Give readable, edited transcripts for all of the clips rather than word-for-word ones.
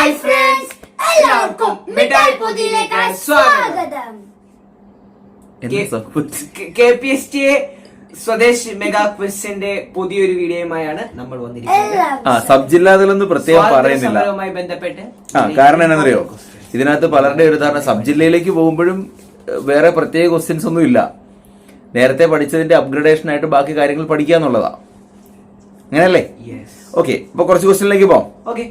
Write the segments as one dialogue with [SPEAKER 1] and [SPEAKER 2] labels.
[SPEAKER 1] Hi friends, എല്ലാവർക്കും മിഠായി പൊതിയിലേക്ക് സ്വാഗതം. KPST സ്വദേശ് മെഗാ ക്വിസിന്റെ പുതിയൊരു വീഡിയോയുമായാണ് നമ്മൾ വന്നിരിക്കുന്നത്.
[SPEAKER 2] സബ് ജില്ലാതലൊന്നും പ്രത്യേകം പറയുന്നില്ല.
[SPEAKER 1] ബന്ധപ്പെട്ട്
[SPEAKER 2] കാരണം എന്താണെന്നറിയോ, ഇതിനകത്ത് പലരുടെ ഒരു ധാരണ സബ് ജില്ലയിലേക്ക് പോകുമ്പോഴും വേറെ പ്രത്യേക ക്വസ്റ്റ്യൻസ് ഒന്നും ഇല്ല. നേരത്തെ പഠിച്ചതിന്റെ അപ്ഗ്രഡേഷൻ ആയിട്ട് ബാക്കി കാര്യങ്ങൾ പഠിക്കുക എന്നുള്ളതാ. അങ്ങനെയല്ലേ? ഓക്കെ, അപ്പൊ കുറച്ച് ക്വസ്റ്റ്യനിലേക്ക് പോവാം.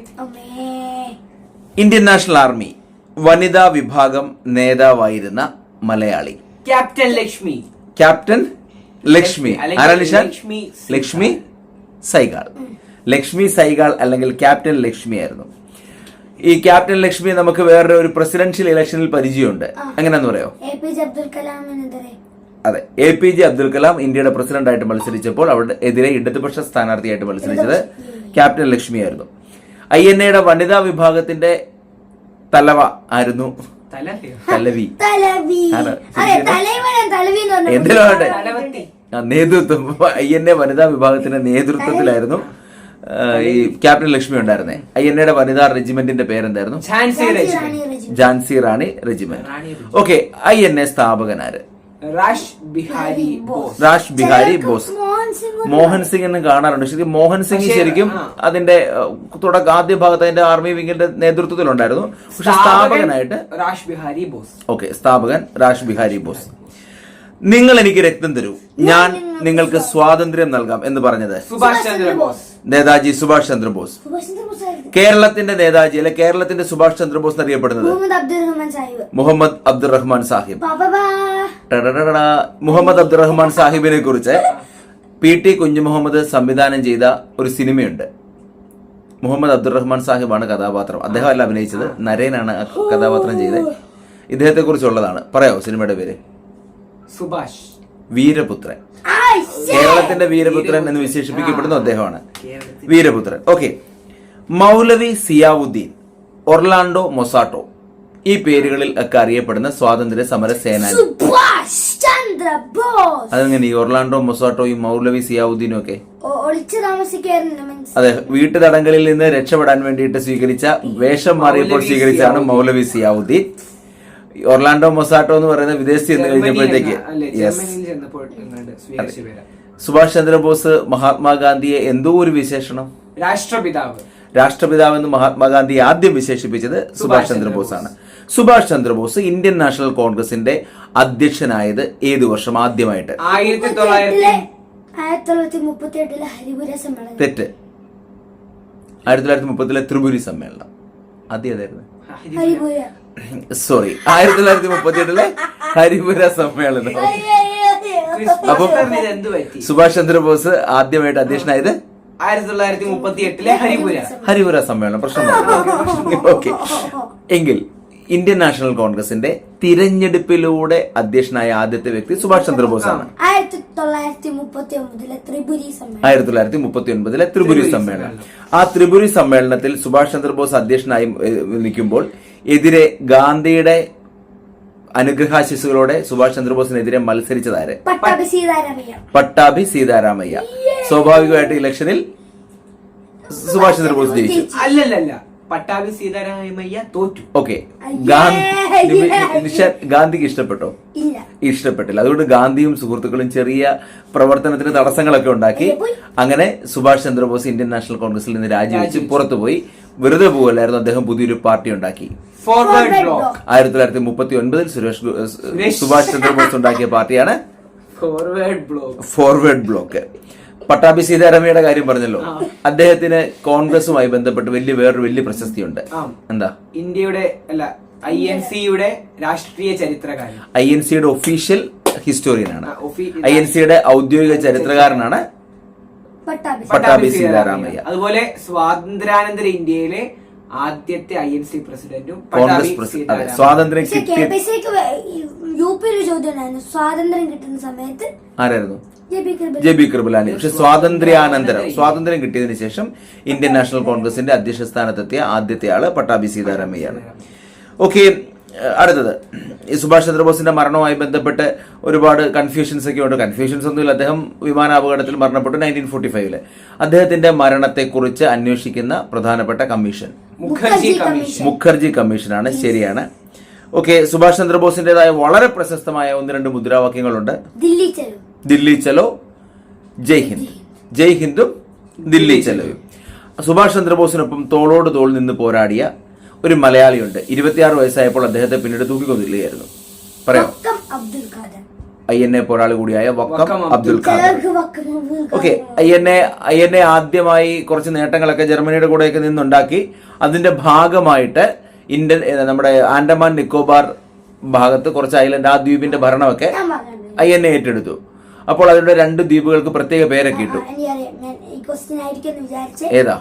[SPEAKER 2] ഇന്ത്യൻ നാഷണൽ ആർമി വനിതാ വിഭാഗം നേതാവായിരുന്ന മലയാളി.
[SPEAKER 1] ക്യാപ്റ്റൻ ലക്ഷ്മി.
[SPEAKER 2] ക്യാപ്റ്റൻ ലക്ഷ്മി ആരാണ്? ലക്ഷ്മി സൈഗാൾ. ലക്ഷ്മി സൈഗാൾ അല്ലെങ്കിൽ ക്യാപ്റ്റൻ ലക്ഷ്മി ആയിരുന്നു. ഈ ക്യാപ്റ്റൻ ലക്ഷ്മി നമുക്ക് വേറെ ഒരു പ്രസിഡൻഷ്യൽ ഇലക്ഷനിൽ പരിചയമുണ്ട്. എങ്ങനെയാന്ന് പറയാമോ? അതെ, APJ അബ്ദുൽ കലാം ഇന്ത്യയുടെ പ്രസിഡന്റ് ആയിട്ട് മത്സരിച്ചപ്പോൾ അവിടെ എതിരെ ഇടതുപക്ഷ സ്ഥാനാർത്ഥിയായിട്ട് മത്സരിച്ചത് ക്യാപ്റ്റൻ ലക്ഷ്മി ആയിരുന്നു. INA വനിതാ വിഭാഗത്തിന്റെ തലവ ആയിരുന്നു തലവി. എന്തിനാട്ടെ നേതൃത്വം. INA വനിതാ വിഭാഗത്തിന്റെ നേതൃത്വത്തിലായിരുന്നു ഈ ക്യാപ്റ്റൻ ലക്ഷ്മി ഉണ്ടായിരുന്നേ. INA വനിതാ റെജിമെന്റിന്റെ പേരെന്തായിരുന്നു? Jhansi Rani regiment. Okay, INA സ്ഥാപകനാര്?
[SPEAKER 1] രാഷ് ബിഹാരി
[SPEAKER 2] ബോസ്. മോഹൻ സിംഗ് എന്ന് കാണാറുണ്ട്. ശരിക്കും മോഹൻ സിംഗ് ശരിക്കും അതിന്റെ ആദ്യ ഭാഗത്ത് അതിന്റെ ആർമി വിങ്ങിന്റെ നേതൃത്വത്തിലുണ്ടായിരുന്നു. പക്ഷെ സ്ഥാപകനായിട്ട്
[SPEAKER 1] രാഷ് ബിഹാരി ബോസ്.
[SPEAKER 2] ഓക്കെ, സ്ഥാപകൻ രാഷ് ബിഹാരി ബോസ്. നിങ്ങൾ എനിക്ക് രക്തം തരൂ, ഞാൻ നിങ്ങൾക്ക് സ്വാതന്ത്ര്യം നൽകാം എന്ന് പറഞ്ഞത്
[SPEAKER 1] സുഭാഷ് ചന്ദ്രബോസ്.
[SPEAKER 2] നേതാജി സുഭാഷ് ചന്ദ്രബോസ്. കേരളത്തിന്റെ നേതാജി അല്ലെ കേരളത്തിന്റെ സുഭാഷ് ചന്ദ്രബോസ് എന്നറിയപ്പെടുന്നത് മുഹമ്മദ് അബ്ദുറഹ്മാൻ സാഹിബ്. മുഹമ്മദ് അബ്ദുറഹ്മാൻ സാഹിബിനെ കുറിച്ച് PT കുഞ്ഞുമുഹമ്മദ് സംവിധാനം ചെയ്ത ഒരു സിനിമയുണ്ട്. മുഹമ്മദ് അബ്ദുറഹ്മാൻ സാഹിബാണ് കഥാപാത്രം. അദ്ദേഹം അല്ല അഭിനയിച്ചത്, നരേനാണ് കഥാപാത്രം ചെയ്തത്. ഇദ്ദേഹത്തെ കുറിച്ചുള്ളതാണ്. പറയാവോ സിനിമയുടെ പേര്?
[SPEAKER 1] സുഭാഷ്.
[SPEAKER 2] വീരപുത്രൻ. കേരളത്തിന്റെ വീരപുത്രൻ എന്ന് വിശേഷിപ്പിക്കപ്പെടുന്ന അദ്ദേഹമാണ് വീരപുത്രൻ. Okay, Maulvi Ziauddin, Orlando Mazzotta, ഈ പേരുകളിൽ ഒക്കെ അറിയപ്പെടുന്ന സ്വാതന്ത്ര്യ സമര സേനാനി. അതെങ്ങനെ ഈ ഒർലാൻഡോ മൊസാട്ടോയും മൗലവി സിയാവുദ്ദീനും ഒക്കെ? അതെ, വീട്ടുതടങ്കലിൽ നിന്ന് രക്ഷപ്പെടാൻ വേണ്ടിയിട്ട് സ്വീകരിച്ച വേഷം മാറിയപ്പോൾ സ്വീകരിച്ചാണ് മൗലവി സിയാവുദ്ദീൻ. ഒർലാൻഡോ മൊസാട്ടോ എന്ന് പറയുന്ന വിദേശി എന്ന് കഴിഞ്ഞപ്പോഴത്തേക്ക് സുഭാഷ് ചന്ദ്രബോസ് മഹാത്മാഗാന്ധിയെ എന്തോ ഒരു വിശേഷണം രാഷ്ട്രപിതാവ് എന്ന് മഹാത്മാഗാന്ധി ആദ്യം വിശേഷിപ്പിച്ചത് സുഭാഷ് ചന്ദ്രബോസ് ആണ്. സുഭാഷ് ചന്ദ്രബോസ് ഇന്ത്യൻ നാഷണൽ കോൺഗ്രസിന്റെ അധ്യക്ഷനായത് ഏതു വർഷം ആദ്യമായിട്ട്?
[SPEAKER 1] 1938
[SPEAKER 2] തെറ്റ്. 1930 ത്രിപുരി സമ്മേളനം. ആദ്യമായിരുന്നു സോറി 1938 ഹരിപുര സമ്മേളനം. അപ്പൊ സുഭാഷ് ചന്ദ്രബോസ് ആദ്യമായിട്ട് അധ്യക്ഷനായത്
[SPEAKER 1] 1938
[SPEAKER 2] ഹരിപുര സമ്മേളനം. പ്രശ്നം. ഓക്കെ, എങ്കിൽ ഇന്ത്യൻ നാഷണൽ കോൺഗ്രസിന്റെ തിരഞ്ഞെടുപ്പിലൂടെ അധ്യക്ഷനായ ആദ്യത്തെ വ്യക്തി സുഭാഷ് ചന്ദ്രബോസ് ആണ്.
[SPEAKER 1] 1939
[SPEAKER 2] ത്രിപുരി സമ്മേളനം. ആ ത്രിപുരി സമ്മേളനത്തിൽ സുഭാഷ് ചന്ദ്രബോസ് അധ്യക്ഷനായി നിൽക്കുമ്പോൾ എതിരെ ഗാന്ധിയുടെ അനുഗ്രഹാശിസുകളോടെ സുഭാഷ് ചന്ദ്രബോസിനെതിരെ മത്സരിച്ചതാര്? പട്ടാഭി സീതാരാമയ്യ. സ്വാഭാവികമായിട്ട് ഇലക്ഷനിൽ സുഭാഷ് ചന്ദ്രബോസ് ജയിച്ചു.
[SPEAKER 1] അല്ലല്ല, പട്ടാഭി സീതാരാമയ്യ തോറ്റു.
[SPEAKER 2] ഓക്കെ, ഗാന്ധിക്ക് ഇഷ്ടപ്പെട്ടോ? ഇഷ്ടപ്പെട്ടില്ല. അതുകൊണ്ട് ഗാന്ധിയും സുഹൃത്തുക്കളും ചെറിയ പ്രവർത്തനത്തിന് തടസ്സങ്ങളൊക്കെ ഉണ്ടാക്കി. അങ്ങനെ സുഭാഷ് ചന്ദ്രബോസ് ഇന്ത്യൻ നാഷണൽ കോൺഗ്രസിൽ നിന്ന് രാജിവെച്ച് പുറത്തുപോയി. വെറുതെ പോകല്ലായിരുന്നു, അദ്ദേഹം പുതിയൊരു പാർട്ടി ഉണ്ടാക്കി. 1939 സുഭാഷ് ചന്ദ്രബോസ് ഉണ്ടാക്കിയ പാർട്ടിയാണ് ഫോർവേഡ് ബ്ലോക്ക്. പട്ടാഭി സീതാരാമയ്യയുടെ കാര്യം പറഞ്ഞല്ലോ. അദ്ദേഹത്തിന് കോൺഗ്രസുമായി ബന്ധപ്പെട്ട് വേറൊരു വലിയ പ്രശസ്തിയുണ്ട്. എന്താ?
[SPEAKER 1] ഇന്ത്യയുടെ അല്ല INCയുടെ രാഷ്ട്രീയ ചരിത്രകാരൻ.
[SPEAKER 2] INCയുടെ ഒഫീഷ്യൽ ഹിസ്റ്റോറിയനാണ്. INCയുടെ ഔദ്യോഗിക ചരിത്രകാരനാണ് പട്ടാഭി സീതാരാമയ്യ.
[SPEAKER 1] അതുപോലെ സ്വാതന്ത്ര്യാനന്തര ഇന്ത്യയിലെ ആദ്യത്തെ INC പ്രസിഡന്റും
[SPEAKER 2] കോൺഗ്രസ് പ്രസിഡന്റ്. സ്വാതന്ത്ര്യം കിട്ടിയ
[SPEAKER 3] സ്വാതന്ത്ര്യം കിട്ടുന്ന സമയത്ത്
[SPEAKER 2] ആരായിരുന്നു? JB കൃപലാനി. പക്ഷെ സ്വാതന്ത്ര്യം കിട്ടിയതിനു ശേഷം ഇന്ത്യൻ നാഷണൽ കോൺഗ്രസിന്റെ അധ്യക്ഷ സ്ഥാനത്തെത്തിയ ആദ്യത്തെ ആള് പട്ടാഭി സീതാരാമയ്യാണ്. ഓക്കെ, അടുത്തത് ഈ സുഭാഷ് ചന്ദ്രബോസിന്റെ മരണവുമായി ബന്ധപ്പെട്ട് ഒരുപാട് കൺഫ്യൂഷൻസ് ഒക്കെ ഉണ്ട്. കൺഫ്യൂഷൻസ് ഒന്നുമില്ല. അദ്ദേഹം വിമാനാപകടത്തിൽ മരണപ്പെട്ടു 1945. അദ്ദേഹത്തിന്റെ മരണത്തെക്കുറിച്ച് അന്വേഷിക്കുന്ന പ്രധാനപ്പെട്ട കമ്മീഷൻ മുഖർജി കമ്മീഷനാണ്. ശരിയാണ്. ഓക്കെ, സുഭാഷ് ചന്ദ്രബോസിന്റേതായ വളരെ പ്രശസ്തമായ 1-2 മുദ്രാവാക്യങ്ങളുണ്ട്. ദില്ലി ചലോ, ജയ് ഹിന്ദ്. ജയ് ഹിന്ദും ദില്ലി ചലോയും. സുഭാഷ് ചന്ദ്രബോസിനൊപ്പം തോളോട് തോൾ നിന്ന് പോരാടിയ ഒരു മലയാളിയുണ്ട്. 26 വയസ്സായപ്പോൾ അദ്ദേഹത്തെ പിന്നീട് തൂക്കിക്കൊന്നില്ലായിരുന്നു. പറയാം. INA പോരാളി കൂടിയായ വക്കം അബ്ദുൽ ഖാദർ. ഓക്കെ, INA ആദ്യമായി കുറച്ച് നേട്ടങ്ങളൊക്കെ ജർമ്മനിയുടെ കൂടെയൊക്കെ നിന്നുണ്ടാക്കി. അതിന്റെ ഭാഗമായിട്ട് നമ്മുടെ ആൻഡമാൻ നിക്കോബാർ ഭാഗത്ത് കുറച്ച് ഐലൻഡ്, ആ ദ്വീപിന്റെ ഭരണമൊക്കെ INA ഏറ്റെടുത്തു. അപ്പോൾ അതിലൂടെ 2 ദ്വീപുകൾക്ക് പ്രത്യേക പേരൊക്കെ ഇട്ടു. ഏതാ?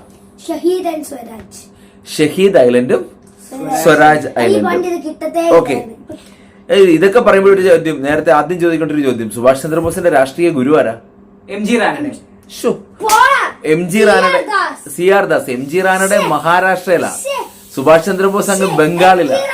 [SPEAKER 2] ഷഹീദ് ഐലൻഡും സ്വരാജ് ഐലൻഡും. ഓക്കെ, ഇതൊക്കെ പറയുമ്പോൾ ഒരു ചോദ്യം, നേരത്തെ ആദ്യം ചോദിക്കേണ്ട ഒരു ചോദ്യം, സുഭാഷ് ചന്ദ്രബോസിന്റെ രാഷ്ട്രീയ ഗുരു ആരാ?
[SPEAKER 1] MG Ranade.
[SPEAKER 2] MG Ranade, CR Das. MG Ranade മഹാരാഷ്ട്രയിലാണ്, Subhash Chandrabose അങ്ങ് ബംഗാളിലാണ്.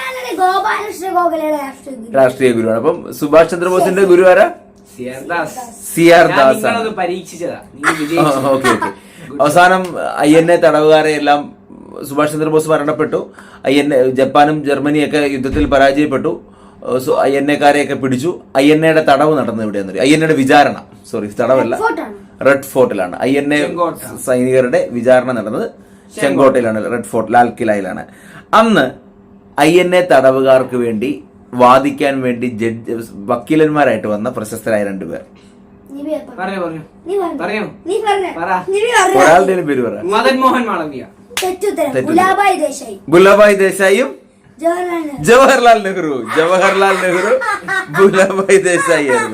[SPEAKER 2] രാഷ്ട്രീയ ഗുരുവാണ്. അപ്പം സുഭാഷ് ചന്ദ്രബോസിന്റെ ഗുരു ആരാ? CR ദാസ് ആണ്.
[SPEAKER 1] പരീക്ഷിച്ചതാ.
[SPEAKER 2] ഓക്കെ. അവസാനം INA തടവുകാരെ എല്ലാം സുഭാഷ് ചന്ദ്രബോസ് മരണപ്പെട്ടു. ജപ്പാനും ജർമ്മനിയൊക്കെ യുദ്ധത്തിൽ പരാജയപ്പെട്ടു. INA-കാരെയൊക്കെ പിടിച്ചു. INA-യുടെ തടവ് നടന്നത് എവിടെയാണെന്ന് അറിയാം? INA-യുടെ വിചാരണ, തടവല്ല, റെഡ് ഫോർട്ടിലാണ്. INA സൈനികരുടെ വിചാരണ നടന്നത് ചെങ്കോട്ടയിലാണ്, റെഡ് ഫോർട്ട്, ലാൽ കിലയിലാണ്. അന്ന് INA തടവുകാർക്ക് വേണ്ടി വാദിക്കാൻ വേണ്ടി വക്കീലന്മാരായിട്ട് വന്ന പ്രശസ്തരായ 2 പേർ. ഒരാളുടെ പേര് പറ.
[SPEAKER 1] മദൻ മോഹൻ മാളവ്യ.
[SPEAKER 2] ഗുലാബായി ദേശായിയും ജവഹർലാൽ നെഹ്റു. ഗുലാബായി ദേശായി ആയിരുന്നു.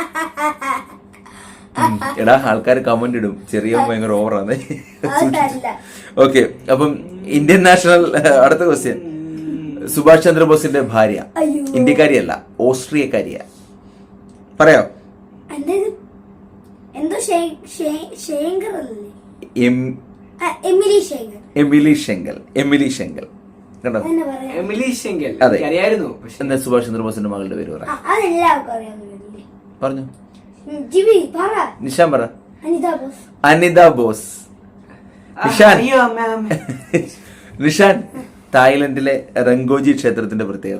[SPEAKER 2] എടാ, ആൾക്കാർ കമന്റ് ഇടും, ചെറിയ ഭയങ്കര ഓവറാണ്. ഓക്കെ, അപ്പം ഇന്ത്യൻ നാഷണൽ. അടുത്ത ക്വസ്റ്റ്യൻ. സുഭാഷ് ചന്ദ്രബോസിന്റെ ഭാര്യ ഇന്ത്യക്കാരിയല്ല, ഓസ്ട്രിയക്കാരിയാ. പറയാം. Emilie Schenkl. കണ്ടോ? അതെ. എന്നാ സുഭാഷ് ചന്ദ്രബോസിന്റെ മകളുടെ പേര് പറ. പറഞ്ഞു. നിഷാൻ പറ. അനിത ബോസ്. നിഷാൻ, തായ്ലൻഡിലെ റങ്കോജി ക്ഷേത്രത്തിന്റെ പ്രത്യേകത.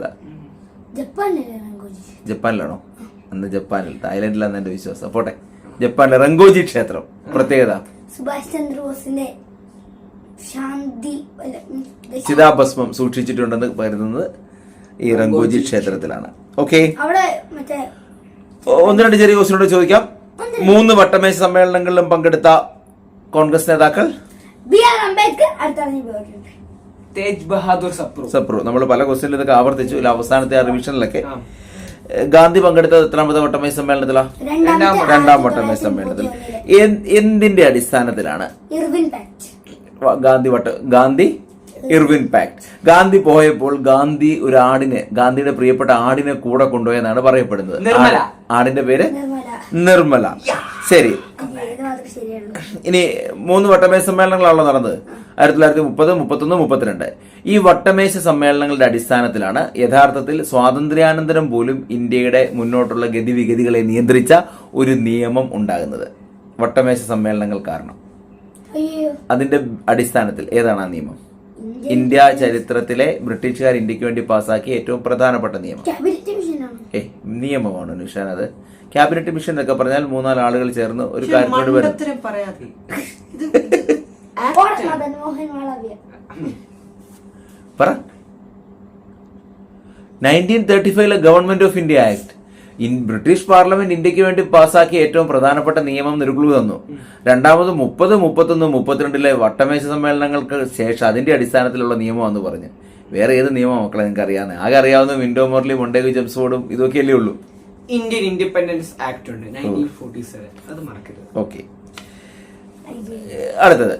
[SPEAKER 2] ജപ്പാനിലാണോ? അന്ന് ജപ്പാനിൽ, തായ്ലൻഡിലാന്ന് എന്റെ വിശ്വാസം. പോട്ടെ, ജപ്പാനിലെ റങ്കോജി ക്ഷേത്രം പ്രത്യേകത.
[SPEAKER 3] സുഭാഷ് ചന്ദ്രബോസിന്റെ
[SPEAKER 2] ചിതാഭസ്മം സൂക്ഷിച്ചിട്ടുണ്ടെന്ന് കരുതുന്നത് ഈ റങ്കോജി ക്ഷേത്രത്തിലാണ്. ഓക്കെ, 1-2 ചെറിയ ക്വസ്റ്റ്യനോട് ചോദിക്കാം. 3 വട്ടമേശ സമ്മേളനങ്ങളിലും പങ്കെടുത്ത കോൺഗ്രസ് നേതാക്കൾ.
[SPEAKER 3] BR അംബേദ്കർ,
[SPEAKER 1] തേജ് ബഹാദൂർ
[SPEAKER 2] സപ്രു. നമ്മൾ പല ക്വസ്റ്റ്യനിലും ഇതൊക്കെ ആവർത്തിച്ചു. അവസാനത്തെ റിവിഷനിലൊക്കെ ഗാന്ധി പങ്കെടുത്തത് എത്രാമത്തെ വട്ടമേശ സമ്മേളനത്തിലാണ്? 2ാം വട്ടമേശ സമ്മേളനത്തിൽ. എന്തിന്റെ അടിസ്ഥാനത്തിലാണ് ഗാന്ധി ഇർവിൻ പാക്ട്? ഗാന്ധി പോയപ്പോൾ ഗാന്ധി ഒരു ആടിനെ, ഗാന്ധിയുടെ പ്രിയപ്പെട്ട ആടിനെ കൂടെ കൊണ്ടുപോയെന്നാണ് പറയപ്പെടുന്നത്. ആടിന്റെ പേര് നിർമ്മല. ശരി. ഇനി 3 വട്ടമേശ സമ്മേളനങ്ങളാണല്ലോ നടന്നത്. 1930, 31, 32. ഈ വട്ടമേശ സമ്മേളനങ്ങളുടെ അടിസ്ഥാനത്തിലാണ് യഥാർത്ഥത്തിൽ സ്വാതന്ത്ര്യാനന്തരം പോലും ഇന്ത്യയുടെ മുന്നോട്ടുള്ള ഗതിവിഗതികളെ നിയന്ത്രിച്ച ഒരു നിയമം ഉണ്ടാകുന്നത്. വട്ടമേശ സമ്മേളനങ്ങൾ കാരണം. അതിന്റെ അടിസ്ഥാനത്തിൽ ഏതാണ് ആ നിയമം? ഇന്ത്യ ചരിത്രത്തിലെ ബ്രിട്ടീഷുകാർ ഇന്ത്യക്ക് വേണ്ടി പാസാക്കിയ ഏറ്റവും പ്രധാനപ്പെട്ട നിയമം. നിയമമാണ് നിഷാൻ. അത് ക്യാബിനറ്റ് മിഷൻ എന്നൊക്കെ പറഞ്ഞാൽ 3-4 ആളുകൾ ചേർന്ന് ഒരു കാര്യത്തോട് വരും. പറ. 1935 government of India act. British parliament ഇന്ത്യക്ക് വേണ്ടി പാസാക്കിയ ഏറ്റവും പ്രധാനപ്പെട്ട നിയമം നിരുക്ലു തന്നു. രണ്ടാമത് 30, 31, 32 വട്ടമേശ സമ്മേളനങ്ങൾക്ക് ശേഷം അതിന്റെ അടിസ്ഥാനത്തിലുള്ള നിയമമാണെന്ന് പറഞ്ഞു. വേറെ ഏത് നിയമം മക്കളെ നിങ്ങൾക്ക് അറിയാവുന്ന? ആകെ അറിയാവുന്ന വിൻഡോ മോർലി, മൊണ്ടേഗു ജെംസ്ഫോർഡും ഇതൊക്കെയല്ലേ ഉള്ളൂ.
[SPEAKER 1] ഇന്ത്യൻ ഇൻഡിപെൻഡൻസ് ആക്ട് ഉണ്ട് 1947, അത് മറക്കരുത്.
[SPEAKER 2] ഓക്കെ, അടുത്തത്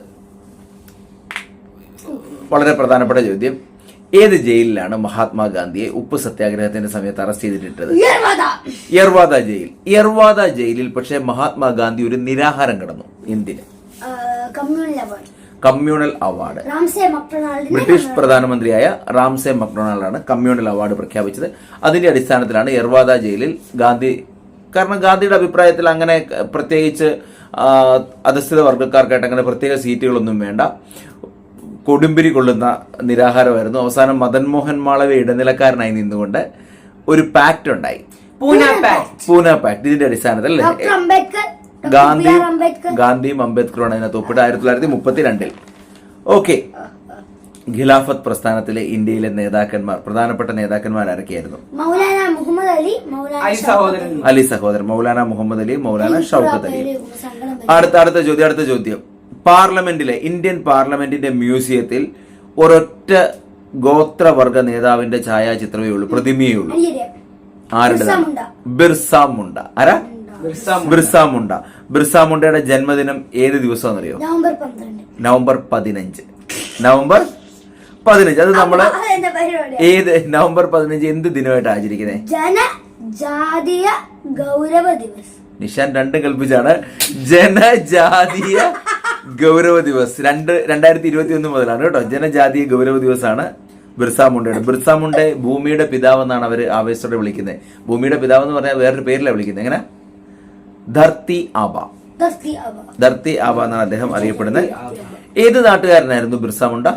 [SPEAKER 2] വളരെ പ്രധാനപ്പെട്ട ചോദ്യം. ഏത് ജയിലിലാണ് മഹാത്മാഗാന്ധിയെ ഉപ്പ് സത്യാഗ്രഹത്തിന്റെ സമയത്ത് അറസ്റ്റ് ചെയ്തിട്ടത്? യർവാദ ജയിൽ. യർവാദ ജയിലിൽ പക്ഷേ മഹാത്മാഗാന്ധി ഒരു നിരാഹാരം കിടന്നു. എന്തിന്? Communal award.
[SPEAKER 3] Ramsey മക്ഡൊണാൾഡിനെ
[SPEAKER 2] British പ്രധാനമന്ത്രിയായ Ramsey മക്ഡൊണാൾഡാണ് communal award പ്രഖ്യാപിച്ചത്. അതിന്റെ അടിസ്ഥാനത്തിലാണ് യർവാദ ജയിലിൽ ഗാന്ധി, കാരണം ഗാന്ധിയുടെ അഭിപ്രായത്തിൽ അങ്ങനെ പ്രത്യേകിച്ച് അധസ്ഥിത വർഗ്ഗക്കാർക്കായിട്ട് അങ്ങനെ പ്രത്യേക സീറ്റുകളൊന്നും വേണ്ട, കൊടുമ്പിരി കൊള്ളുന്ന നിരാഹാരമായിരുന്നു. അവസാനം മദൻ മോഹൻ മാളവ്യ ഇടനിലക്കാരനായി നിന്നുകൊണ്ട് ഒരു പാക്ട് ഉണ്ടായി, പൂന പാക്ട്. ഇതിന്റെ അടിസ്ഥാനത്തിൽ
[SPEAKER 3] ഡോക്ടർ അംബേദ്കർ,
[SPEAKER 2] ഗാന്ധിയും അംബേദ്കറുമാണ് അതിനകത്ത് ഒപ്പിട്ട് 1932. ഓക്കെ, ഖിലാഫത്ത് പ്രസ്ഥാനത്തിലെ ഇന്ത്യയിലെ നേതാക്കന്മാർ, പ്രധാനപ്പെട്ട നേതാക്കന്മാർ ആരൊക്കെയായിരുന്നു?
[SPEAKER 3] മൗലാന മുഹമ്മദ് അലി,
[SPEAKER 2] അലി സഹോദരൻ, മൗലാന മുഹമ്മദ് അലി, മൗലാന ഷൗക്കത്ത് അലി. അടുത്ത ചോദ്യം. പാർലമെന്റിലെ, ഇന്ത്യൻ പാർലമെന്റിന്റെ മ്യൂസിയത്തിൽ ഒരൊറ്റ ഗോത്രവർഗ നേതാവിന്റെ ഛായാചിത്രമേ ഉള്ളൂ, പ്രതിമയേ ഉള്ളൂ. ആരുടേതാണ്? ബിർസ മുണ്ട. ആരാ? ബിർസ മുണ്ട. ബിർസ മുണ്ടയുടെ ജന്മദിനം ഏത് ദിവസമാണെന്നറിയോ? നവംബർ 15. നവംബർ 15. അത് നമ്മള് ഏത് നവംബർ 15 എന്ത് ദിനമായിട്ട് ആചരിക്കുന്നത്?
[SPEAKER 3] ജനജാതീയ ഗൗരവ ദിവസ്.
[SPEAKER 2] നിഷാൻ രണ്ടും കൽപ്പിച്ചാണ്. ജനജാതീയ ഗൗരവ ദിവസ് 2021 മുതലാണ് കേട്ടോ. ജനജാതീയ ഗൗരവ ദിവസമാണ് ബിർസ മുണ്ടയുടെ. ബിർസ മുണ്ടെ ഭൂമിയുടെ പിതാവ് എന്നാണ് അവര് ആവേശത്തോടെ വിളിക്കുന്നത്. ഭൂമിയുടെ പിതാവ് എന്ന് പറഞ്ഞാൽ വേറൊരു പേരിലാണ് വിളിക്കുന്നത്. എങ്ങനെ? ധർത്തി ആബ. ധർത്തി ആബ എന്നാണ് അദ്ദേഹം അറിയപ്പെടുന്നത്. ഏത് നാട്ടുകാരനായിരുന്നു ബിർസ മുണ്ട?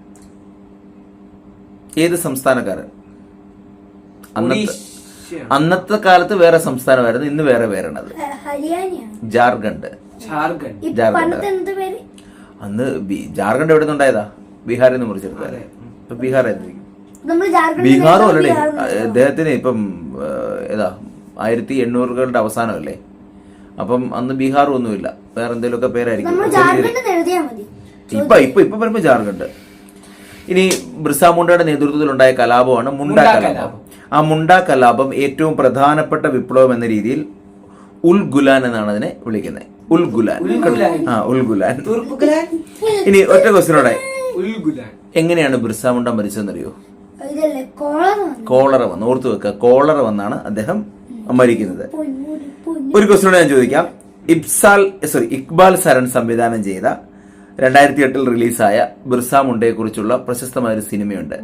[SPEAKER 2] ഏത് സംസ്ഥാനക്കാരൻ? അന്നത്തെ കാലത്ത് വേറെ സംസ്ഥാനമായിരുന്നു, ഇന്ന് വേറെ പേരാണത്. ജാർഖണ്ഡ്. അന്ന് ജാർഖണ്ഡ് എവിടെ നിന്നുണ്ടായതാ? ബീഹാറിൽ നിന്ന് മുറിച്ചെടുത്തത്. ഇപ്പൊ ബീഹാർ ബീഹാറും അല്ലേ അദ്ദേഹത്തിന്? ഇപ്പം ഏതാ 1800കളുടെ അവസാനമല്ലേ? അപ്പം അന്ന് ബീഹാറും ഒന്നുമില്ല, വേറെ എന്തെങ്കിലുമൊക്കെ പേരായിരിക്കും. ഇപ്പൊ വരുമ്പോ ജാർഖണ്ഡ്. ഇനി ബിർസ മുണ്ടയുടെ നേതൃത്വത്തിലുണ്ടായ കലാപമാണ് മുണ്ട കലാപം. ആ മുണ്ട കലാപം ഏറ്റവും പ്രധാനപ്പെട്ട വിപ്ലവം എന്ന രീതിയിൽ ഉൽ ഗുലാൻ എന്നാണ് അതിനെ വിളിക്കുന്നത്. ഉൽ ഗുലാൻ. ഇനി ഒറ്റ ക്വസ്റ്റ്യനോടെ, എങ്ങനെയാണ് ബിർസ മുണ്ട മരിച്ചതെന്നറിയോ? കോളറ വന്ന്. ഓർത്തു വെക്കുക, കോളറ വന്നാണ് അദ്ദേഹം മരിക്കുന്നത്. ഒരു ക്വസ്റ്റ്യനോടെ ഞാൻ ചോദിക്കാം. ഇക്ബാൽ സരൺ സംവിധാനം ചെയ്ത 2008 റിലീസായ ബിർസ മുണ്ടയെ കുറിച്ചുള്ള പ്രശസ്തമായ ഒരു സിനിമയുണ്ട്,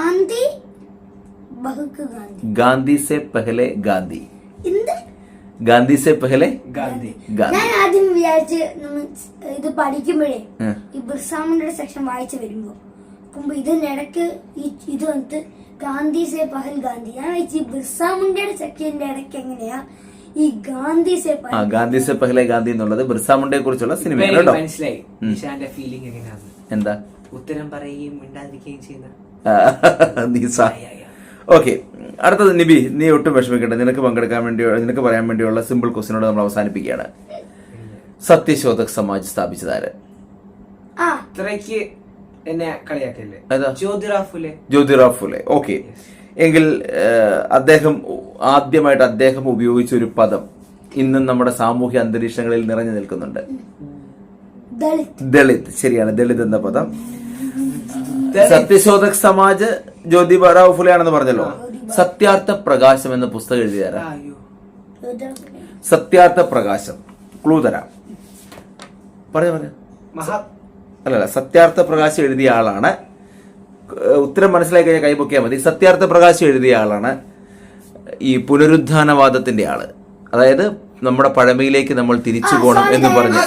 [SPEAKER 2] ഗാന്ധി സെ പെഹലെ ഗാന്ധി. ഗാന്ധി സെ പെഹലെ ഗാന്ധി.
[SPEAKER 3] ഞാൻ ആദ്യം വിചാരിച്ച് ഇത് പഠിക്കുമ്പോഴേ ഈ ബിർസ മുണ്ടയുടെ സെക്ഷൻ വായിച്ചു വരുമ്പോ ഇതിനിടക്ക് ഇത് വന്നിട്ട് ഗാന്ധി സെ പഹൽ ഗാന്ധി. ഞാൻ വെച്ച് ബിർസ മുണ്ടയുടെ സെക്ഷന്റെ ഇടയ്ക്ക് എങ്ങനെയാ ഈ ഗാന്ധി സെ
[SPEAKER 2] പെഹലെ ഗാന്ധി എന്നുള്ളത് ബിർസ മുണ്ടയെ കുറിച്ചുള്ള സിനിമയാണ് കേട്ടോ.
[SPEAKER 1] മനസ്സിലായി. ഫീലിംഗ് എങ്ങനെയാണ്?
[SPEAKER 2] എന്താ?
[SPEAKER 1] ഉത്തരം പറയുകയും മിണ്ടാതിരിക്കുകയും ചെയ്യുന്ന.
[SPEAKER 2] ഓക്കെ, അടുത്തത് നിബി, നീ ഒട്ടും വിഷമിക്കട്ടെ. നിനക്ക് പങ്കെടുക്കാൻ വേണ്ടിയോ നിനക്ക് പറയാൻ വേണ്ടിയുള്ള സിമ്പിൾ ക്വസ്റ്റിനോട് നമ്മൾ അവസാനിപ്പിക്കുകയാണ്. സത്യശോധക് സമാജ് സ്ഥാപിച്ചതാര്?
[SPEAKER 1] അത്രയ്ക്ക് എന്നെ കളിയാക്കല്ലേ?
[SPEAKER 2] ജ്യോതിറാവ് ഫുലെ. ഓക്കെ, എങ്കിൽ ആദ്യമായിട്ട് അദ്ദേഹം ഉപയോഗിച്ച ഒരു പദം ഇന്നും നമ്മുടെ സാമൂഹ്യ അന്തരീക്ഷങ്ങളിൽ നിറഞ്ഞു നിൽക്കുന്നുണ്ട്. ദളിത്. ശരിയാണ്, ദളിത് എന്ന പദം. സത്യശോധക് സമാജ് ജ്യോതിബാറാവ് ഫുലെ ആണെന്ന് പറഞ്ഞല്ലോ. സത്യാർത്ഥ പ്രകാശം എന്ന പുസ്തകം എഴുതിയാരാ? സത്യാർത്ഥ പ്രകാശം. ക്ലൂ തരാം. അല്ലല്ല, സത്യാർത്ഥ പ്രകാശം എഴുതിയ ആളാണ്. ഉത്തരം മനസ്സിലായി കഴിഞ്ഞാൽ കൈപൊക്കിയാൽ മതി. സത്യാർത്ഥ പ്രകാശം എഴുതിയ ആളാണ് ഈ പുനരുദ്ധാനവാദത്തിന്റെ ആള്. അതായത് നമ്മുടെ പഴമയിലേക്ക് നമ്മൾ തിരിച്ചു പോകണം എന്ന് പറഞ്ഞ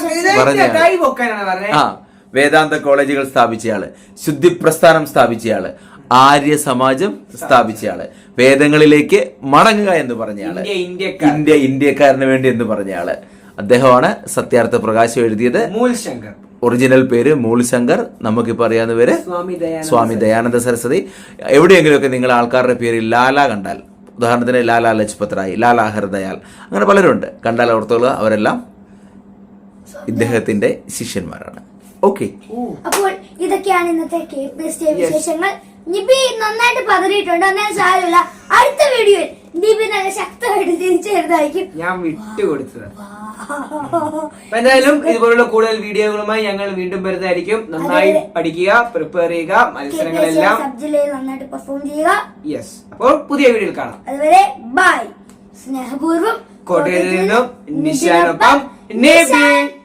[SPEAKER 2] വേദാന്ത കോളേജുകൾ സ്ഥാപിച്ചയാള്, ശുദ്ധി പ്രസ്ഥാനം സ്ഥാപിച്ചയാള്, ആര്യ സമാജം സ്ഥാപിച്ചയാള്, വേദങ്ങളിലേക്ക് മടങ്ങുക എന്ന് പറഞ്ഞയാള്, ഇന്ത്യക്കാരന് വേണ്ടി എന്ന് പറഞ്ഞയാള് അദ്ദേഹമാണ് സത്യാർത്ഥ പ്രകാശം എഴുതിയത്. ഒറിജിനൽ പേര് മൂൽ ശങ്കർ. നമുക്കിപ്പോ അറിയാവുന്ന പേര് സ്വാമി ദയാനന്ദ സരസ്വതി. എവിടെയെങ്കിലുമൊക്കെ നിങ്ങൾ ആൾക്കാരുടെ പേര് ലാല കണ്ടാൽ, ഉദാഹരണത്തിന് ലാലാ ലജ്പത് റായ്, ലാലാ ഹർദയാൽ, അങ്ങനെ പലരുണ്ട്, കണ്ടാൽ ഓർത്തോളുക അവരെല്ലാം ഇദ്ദേഹത്തിന്റെ ശിഷ്യന്മാരാണ്. ഓക്കെ,
[SPEAKER 3] അപ്പോൾ ഇതൊക്കെയാണ് ഇന്നത്തെ വിശേഷങ്ങൾ. നിബി നന്നായിട്ട് പതറിയിട്ടുണ്ട്, എന്നാൽ സാരമില്ല. അടുത്ത വീഡിയോയിൽ നിബി നല്ല ശക്തമായിട്ട് തിരിച്ചു വരുന്നതായിരിക്കും.
[SPEAKER 1] ഞാൻ വിട്ടുകൊടുത്തത്. എന്തായാലും ഇതുപോലുള്ള കൂടുതൽ വീഡിയോകളുമായി ഞങ്ങൾ വീണ്ടും വരുന്നതായിരിക്കും. നന്നായി പഠിക്കുക, പ്രിപ്പയർ ചെയ്യുക, മത്സരങ്ങളെല്ലാം
[SPEAKER 3] നന്നായിട്ട് പെർഫോം ചെയ്യുക.
[SPEAKER 1] യെസ്, അപ്പോൾ പുതിയ വീഡിയോയിൽ കാണാം.
[SPEAKER 3] അതുവരെ ബൈ. സ്നേഹപൂർവ്വം
[SPEAKER 1] കോട്ടയത്തിൽ നിന്നും നിശാനൊപ്പം നിബി.